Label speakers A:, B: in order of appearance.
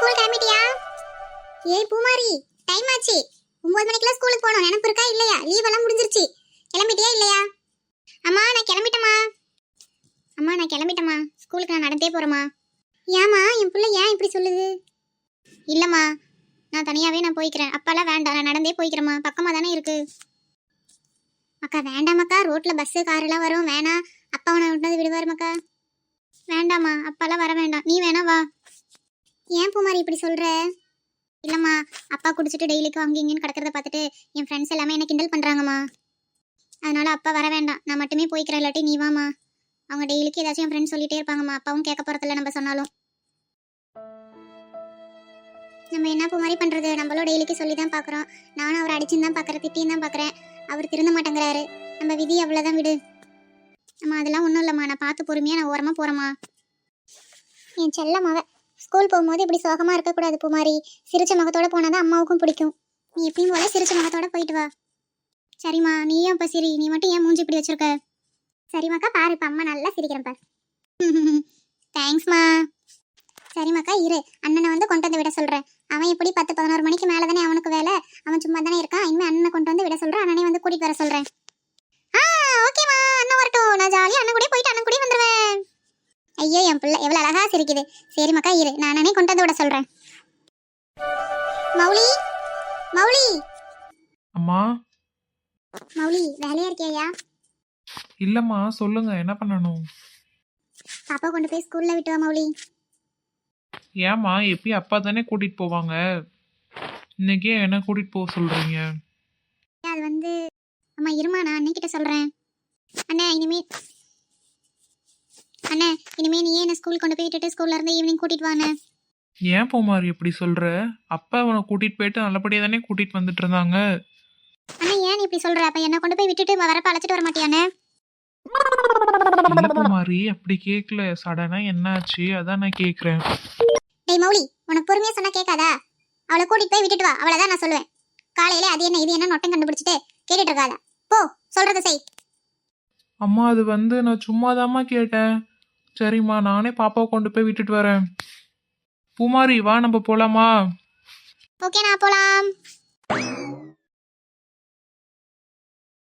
A: School கிளம்பிட்டியா? ஏய் பூமாரி, time ஆச்சு. 9 மணிக்குலாம் ஸ்கூலுக்கு போகணும். நினைப்பு இருக்கா இல்லையா? லீவ் எல்லாம் முடிஞ்சிருச்சு. கிளம்பிட்டியா இல்லையா? அம்மா நான் கிளம்பிட்டேம்மா. அம்மா நான் கிளம்பிட்டேம்மா. ஸ்கூலுக்கு நான் நடந்தே போறேம்மா. ஏம்மா என் பிள்ளை ஏன் இப்படி சொல்லுது? இல்லம்மா, நான் தனியாவே நான் போய்க்கிறேன். அப்பாலாம் வேண்டாம், நான் நடந்தே போய்க்கிறேம்மா. பக்கமா தானே இருக்கு. அக்கா வேண்டாமக்கா, ரோட்ல பஸ் கார் எல்லாம் வரும், வேணாம். அப்பா உன்னை விட்டது விடுவாருமாக்கா. வேண்டாம்மா, அப்பாலாம் வர வேண்டாம், நீ வேணா வா. ஏன் பூமாரி இப்படி சொல்ற? இல்லம்மா, அப்பா குடிச்சிட்டு டெய்லிக்கும் அங்கே இங்கேன்னு கிடக்கிறத பார்த்துட்டு என் ஃப்ரெண்ட்ஸ் எல்லாமே என்ன கிண்டல் பண்றாங்கம்மா. அதனால அப்பா வர வேண்டாம், நான் மட்டுமே போய்க்கிறேன். இல்லாட்டி நீ வாமா. அவங்க டெய்லிக்கு ஏதாச்சும் என் ஃப்ரெண்ட்ஸ் சொல்லிட்டே இருப்பாங்கம்மா. அப்பாவும் கேட்க போறதில்ல நம்ம சொன்னாலும். நம்ம என்ன பூமாரி பண்றது? நம்மளும் டெய்லிக்கு சொல்லி தான் பார்க்குறோம். நானும் அவர் அடிச்சுன்னு தான் பார்க்குறேன், திட்டின்னு தான் பார்க்குறேன். அவர் திருந்த மாட்டேங்கிறாரு. நம்ம விதி அவ்வளோதான், விடு. அம்மா அதெல்லாம் ஒன்றும் இல்லைம்மா, நான் பார்த்து பொறுமையாக நான் ஓரமாக போகிறேம்மா. என் செல்லம்மாவ ஸ்கூல் போகும்போது இப்படி சோகமாக இருக்கக்கூடாது பூமாரி. சிரிச்ச முகத்தோட போனால் அம்மாவுக்கும் பிடிக்கும். நீ எப்பயும் போல சிரிச்ச முகத்தோட போயிட்டு வா. சரிம்மா, நீயும் இப்போ சிரி. நீ மட்டும் ஏன் மூஞ்சி இப்படி வச்சிருக்க? சரிம்மாக்கா, பாரு இப்போ அம்மா நல்லா சிரிக்கிறேன் பாரு. தேங்க்ஸ்மா. சரிம்மாக்கா இரு, அண்ணனை வந்து கொண்டு வந்து விட சொல்கிறேன். அவன் எப்படி 10-11 மணிக்கு மேலே தானே அவனுக்கு வேலை. அவன் சும்மா தானே இருக்கான். இனிமேல் அண்ணனை கொண்டு வந்து விட சொல்கிறேன். அண்ணனை வந்து கூட்டிகிட்டு வர சொல்கிறேன். ஓகேம்மா, அண்ணன் வரட்டும். நான் ஜாலியாக அண்ணன் கூட போயிட்டு அண்ணன் கூட வந்துடுவேன். ஐயோ என் பிள்ளை எவ்வளோ அழகா சிரிக்குது. சரி மக்கா இரு, நான் அண்ணனே கொண்டு வந்து விட சொல்கிறேன். மௌலி, மௌலி.
B: அம்மா.
A: மௌலி வேலையா இருக்கியா?
B: இல்லம்மா, சொல்லுங்க, என்ன பண்ணணும்?
A: பாப்பா கொண்டு போய் ஸ்கூல்ல விட்டு வா மௌலி.
B: ஏம்மா, எப்பயும் அப்பா தானே கூட்டிட்டு போவாங்க, இன்னைக்கே என்ன கூட்டிட்டு போக சொல்றீங்க?
A: அது வந்து அம்மா இருமா, நான் அண்ணன்கிட்ட சொல்கிறேன். அண்ணே இனிமே நீயே என்ன ஸ்கூல் கொண்டு போய் விட்டுட்டு ஸ்கூல்ல இருந்து ஈவினிங் கூட்டிட்டு வாண்ணே.
B: ஏன் பூமாரி இப்படி சொல்ற? அப்பா அவனை கூட்டிட்டு போயிட்டு நல்லபடியா தானே கூட்டிட்டு வந்துட்டு இருந்தாங்க.
A: அண்ணா ஏன் நீ இப்படி சொல்ற? அப்ப என்ன கொண்டு போய் விட்டுட்டு வரப்ப அழைச்சிட்டு வர மாட்டியானே?
B: இல்ல பூமாரி, அப்படி கேட்கல. சடனா என்னாச்சு அதான் நான் கேக்குறேன்.
A: டேய் மௌலி, உனக்கு பொறுமையா சொன்னா கேட்காதா? அவளை கூட்டிட்டு போய் விட்டுட்டு வா, அவ்வளவுதான் நான் சொல்லுவேன். காலையில அது என்ன இது என்ன நொட்டம் கண்டுபிடிச்சிட்டு கேட்டுட்டு இருக்காத. போ, சொல்றத செய்.
B: அம்மா அது வந்து நான் சும்மாதாம்மா கேட்டேன். சரிம்மா, நானே பாப்பாவை கொண்டு போய் விட்டுட்டு வரேன். பூமாரி வா, நம்ம போலாமா?
A: ஓகே, நான் போலாம்.